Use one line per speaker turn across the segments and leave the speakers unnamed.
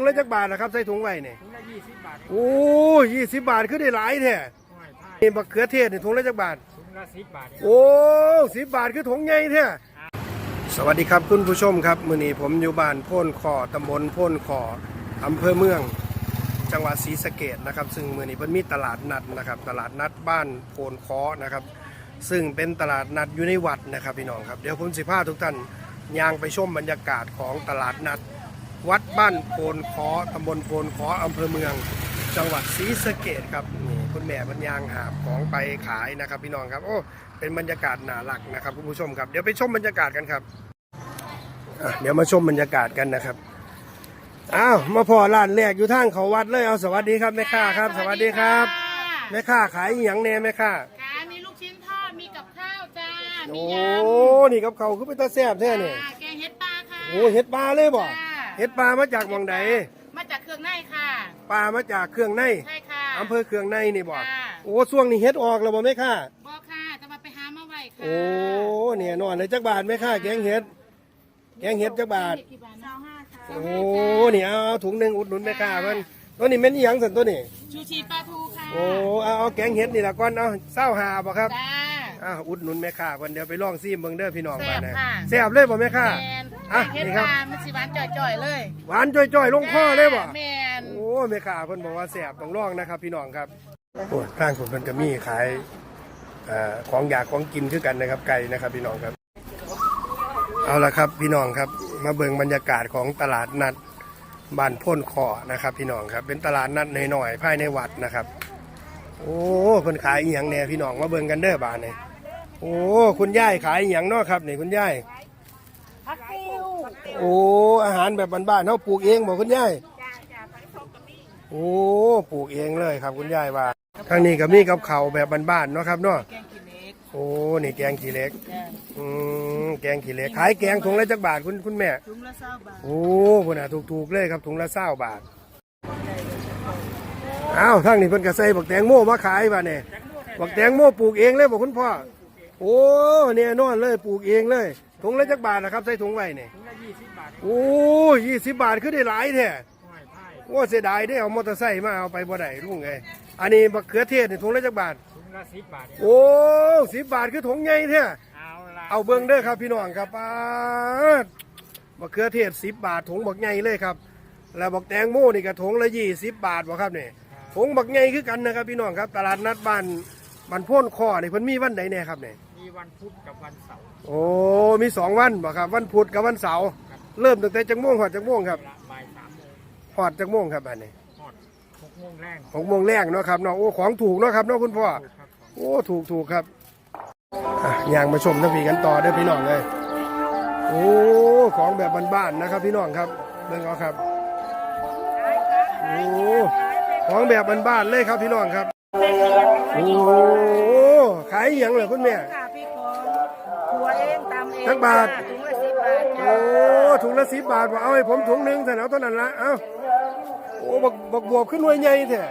ละจักบาทนะครับใส่ถุงไว้เนี่ย
ถุงละ20 บาท
โอ้20 บาทคือได้หลายแท้นี่บักเขือเทศนี่ถุงละจักบาท
ถุงละ10 บาท
โอ้10 บาทคือถุงใหญ่แท้สวัสดีครับคุณผู้ชมครับมื้อนี้ผมอยู่บ้านโพ่นคอตำบลโพ่นคออำเภอเมืองจังหวัดศรีสะเกษนะครับซึ่งมื้อนี้เพิ่นมีตลาดนัดนะครับตลาดนัดบ้านโพ่นคอนะครับซึ่งเป็นตลาดนัดอยู่ในวัดนะครับพี่น้องครับเดี๋ยวผมสิพาทุกท่านย่างไปชมบรรยากาศของตลาดนัดวัดบ้านโพนคอตำบลโพนคออำเภอเมืองจังหวัดศรีสะเกษครับนี่คุณแม่บรรยางหาบของไปขายนะครับพี่น้องครับโอ้เป็นบรรยากาศน่ารักนะครับคุณผู้ชมครับเดี๋ยวไปชมบรรยากาศกันครับเดี๋ยวมาชมบรรยากาศกันนะครับอ้าวมาพอร้านแรกอยู่ทางเขาวัดเลยเอาสวัสดีครับแม่ค้าครับสวัสดีครับแม่ค้าขายหยังแน่แม่ค้า
มีลูกชิ้นทอดมีกับข้าวจ้ามี
โอ้
ยำ
นี่กับเขาคือเป็นตาแซ่บแท้เนี่ย
แกงเห็ดปลาค่ะ
โอ้เห็ดปลาเลยบ่เห็ดปลามาจากหม่องใด
มาจากเครื่องในค่ะ
ปลามาจากเครื่องใน
ใช่ค่ะ
อำเภอเครื่องในนี่บ่โอ้ช่วงนี้เฮ็ดออกแล้วบ่แม่ค้า
บ่ค่ะจะมาไปหามาไว้ค่ะ
โอ้เนี่ยนอนเลยจักบาทแม่ค้าแกงเห็ดจักบาทโอ้นี่เอาถุงนึงอุดหนุนแม่ค้าเพิ่นตัวนี้แม่นอีหยังซั่นตัวนี้
ชูชีปลาทูค่ะ
โอ้เอาแกงเห็ดนี่ล่ะก่อนเอา25บ่ครับ
จ้า
อุดหนุนแม่ค้าเพิ่นเดี๋ยวไปลองซิมเบิ่งเด้อพี่น้องบ้านนะ
แซ่บ
เลยบ่แม่ค้า
เห็ดปลามันสิหวานจ่อยๆเลย
หวานจ่อยๆลงคอเลยบ่
แม่น
โอ้แม่ค้าเพิ่นบอกว่าแซ่บต้องลองนะครับพี่น้องครับโอ้ทางผมเพิ่นก็มีขายของอยากของกินคือกันนะครับไก่นะครับพี่น้องครับเอาละครับพี่น้องครับมาเบิ่งบรรยากาศของตลาดนัดบ้านพ่นคอนะครับพี่น้องครับเป็นตลาดนัดหน่อยๆภายในวัดนะครับโอ้คนขายอีหยังแน่พี่น้องมาเบิ่งกันเด้อบ้านนี่โอ้คุณยายขายอีหยังเนาะครับนี่คุณยาย
ผักติ้ว
โอ้อาหารแบบบ้านๆเฮาปลูกเองบ่คุณยายโอ้ปลูกเองเลยครับคุณยายว่าทางนี้ก็มีกับเขาแบบบ้านๆเนาะครับเนาะโอ้นี่แกงขี้เหล็กแกงขี้เหล็กขายแกงถุงละจักบาทคุณแม่
ถุงละ20 บาท
โอ้พุ่นน่ะถูกๆเลยครับถุงละ20 บาทอ้าวทางนี้เพิ่นก็ใส่บักแตงโมมาขายบ่เนี่ยบักแตงโมปลูกเองเลยบ่คุณพ่อโอ้เนี่ยนอนเลยปลูกเองเลยถุงละจักบาทนะครับใส่ถุงไว้เนี่ย
ถุงละ20 บาท
โอ้20 บาทคือได้หลายแท้โอ้เสียดายได้เอามอเตอร์ไซค์มาเอาไปบ่ได้ลุงไงอันนี้บักเขือเทศนี่ถุงละจักบาท
ถุงละ10 บาท
โอ้10 บาทคือถุงใหญ่แท้เอาเบิ่งเด้อครับพี่น้องครับบักเขือเทศ10 บาทถุงบักใหญ่เลยครับแล้วบักแตงโมนี่ก็ถุงละ20 บาทบ่ครับนี่ถุงบักใหญ่คือกันนะครับพี่น้องครับตลาดนัดบ้านโพ่นคอนี่เพิ่นมีวันใดแน่ครับนี่
มีวันพุธกับวันเสาร์
โอ้มี2 วันบ่ครับวันพุธกับวันเสาร์เริ่มตั้งแต่จักโมงฮอดจักโมงครับ
บ่าย3 โมง
ฮอดจักโมงครับอันนี้
ฮอด6 โมงแรง
6 โมงแรงเนาะครับเนาะโอ้ของถูกเนาะครับเนาะคุณพ่อโอ้ถูกครับย่างมาชมน้ำผีกันต่อเด้อพี่น้องเลยโอ้ของแบบบ้านๆนะครับพี่น้องครับเบิ่งเอาครับโอ้ของแบบบ้านๆเลยครับพี่น้องครับโอ้ขายอย่างเหรอคุณแม่
ถั่วเองตำเอง
จักบาท
ถุงละ10 บาท
โอ้ถุงละ10 บาทบอกเอาให้ผมถุงนึงแต่เอาเท่านั้นละเอ้าโอ้บักบวบขึ้นหน่วยใหญ่แท้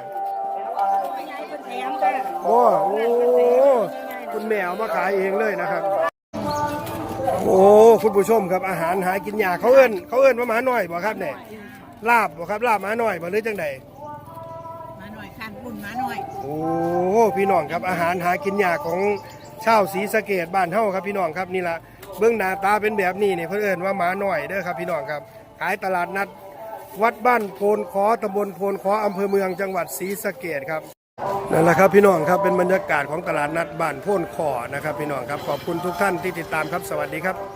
โอ้คุณแม่เอามาขายเองเลยนะครับโอ้คุณผู้ชมครับอาหารหากินยากเขาเอิ้นว่าหมาหน่อยบ่ครับเนี่ยลาบบ่ครับลาบหมาหน่อยบ่หรือจังใด
หมาหน่อยคันปุ่นหมาหน่อย
โอ้พี่น้องครับอาหารหากินยากของชาวศรีสะเกษบ้านเฮาครับพี่น้องครับนี่ละเบื้องหน้าตาเป็นแบบนี้เนี่ยเพิ่นเอิ้นว่าหมาหน่อยเด้อครับพี่น้องครับขายตลาดนัดวัดบ้านโพนคอตำบลโพนคออำเภอเมืองจังหวัดศรีสะเกษครับนั่นแหละครับพี่น้องครับเป็นบรรยากาศของตลาดนัดบ้านโพนคอนะครับพี่น้องครับขอบคุณทุกท่านที่ติดตามครับสวัสดีครับ